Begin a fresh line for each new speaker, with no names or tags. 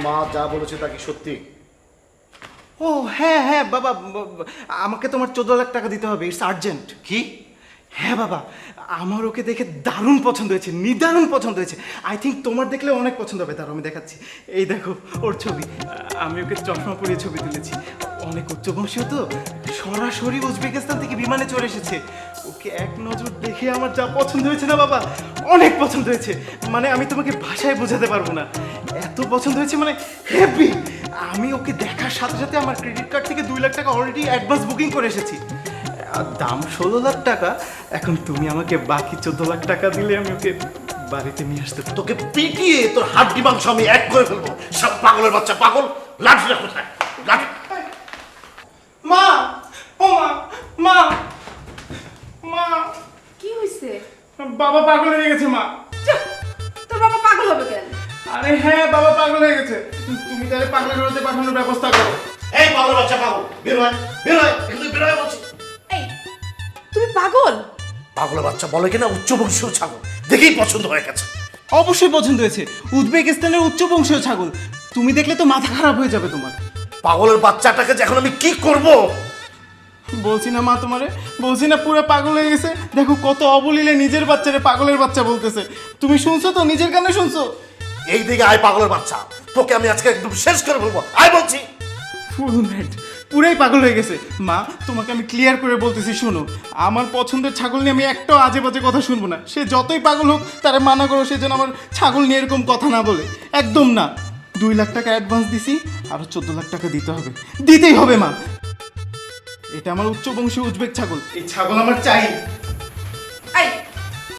মা যা বলেছে তা কি সত্যি?
ও হ্যাঁ হ্যাঁ বাবা, আমাকে তোমার 14 লাখ টাকা দিতে হবে, ইটস আর্জেন্ট।
কি?
হ্যাঁ বাবা, আমার ওকে দেখে দারুণ পছন্দ হয়েছে, নিদারুণ পছন্দ হয়েছে। আই থিঙ্ক তোমার দেখলে অনেক পছন্দ হবে তার। আমি দেখাচ্ছি, এই দেখো ওর ছবি। আমি ওকে চশমা পরিয়ে ছবি তুলেছি। অনেক উচ্চবংশীয় তো, সরাসরি উজবেকিস্তান থেকে বিমানে চলে এসেছে। ওকে এক নজর দেখে আমার যা পছন্দ হয়েছে না বাবা, অনেক পছন্দ হয়েছে। মানে আমি তোমাকে ভাষায় বোঝাতে পারবো না, এত পছন্দ হয়েছে, মানে হেভি। আমি ওকে দেখার সাথে সাথে আমার ক্রেডিট কার্ড থেকে 2 লাখ টাকা অলরেডি অ্যাডভান্স বুকিং করে এসেছি। আর দাম 16 লাখ টাকা। এখন তুমি আমাকে বাকি 14 লাখ টাকা দিলে আমি ওকে বাড়িতে নিয়ে আসতে পারবো।
তোকে পিটিয়ে তোর হাড্ডি মাংস আমি এক করে ফেলবো। সব পাগলের বাচ্চা পাগল। লাঠিটা কোথায়? লাঠি।
মা, ও মা, মা, মা,
কি হয়েছে?
বাবা পাগল হয়ে গেছে মা।
চুপ! তোর বাবা পাগল হবে কেন?
আরে হ্যাঁ, বাবা পাগল হয়ে গেছে। তুমি তাহলে পাগলের ঘরেতে পাঠানোর ব্যবস্থা করো।
এই পাগলের বাচ্চা পাগল, বের হয়, বের হয়, কিন্তু বের হয় বলছি।
এই, তুমি পাগল?
পাগলের বাচ্চা বলে কিনা উচ্চবংশীয় ছাগল দেখেই পছন্দ হয়ে গেছে।
অবশ্যই পছন্দ হয়েছে, উজবেকিস্তানের উচ্চবংশীয় ছাগল। তুমি দেখলে তো মাথা খারাপ হয়ে যাবে তোমার।
পাগলের বাচ্চাটাকে যে এখন আমি কি করব?
বলছি না মা তোমারে, বলছি না পুরো পাগল হয়ে গেছে। দেখো কত অবলীলে নিজের বাচ্চারে পাগলের বাচ্চা বলতেছে। তুমি শুনছো তো, নিজের কানে শুনছো?
এই দিকে আয় পাগলের বাচ্চা, তোকে আমি আজকে একদম শেষ করে ফেলবো। আয় বলছি।
ফুল ম্যাড, পুরাই পাগল হয়ে গেছে। মা তোমাকে আমি ক্লিয়ার করে বলতেছি, শোনো, আমার পছন্দের ছাগল নিয়ে আমি একটাও আজে বাজে কথা শুনবো না। সে যতই পাগল হোক তারা মানা করো, সে যেন আমার ছাগল নিয়ে এরকম কথা না বলে, একদম না। 2 লাখ টাকা অ্যাডভান্স দিছি, আরো 14 লাখ টাকা দিতে হবে, দিতেই হবে মা। এটা আমার উচ্চবংশী উজবেক ছাগল, এই ছাগল আমার চাই।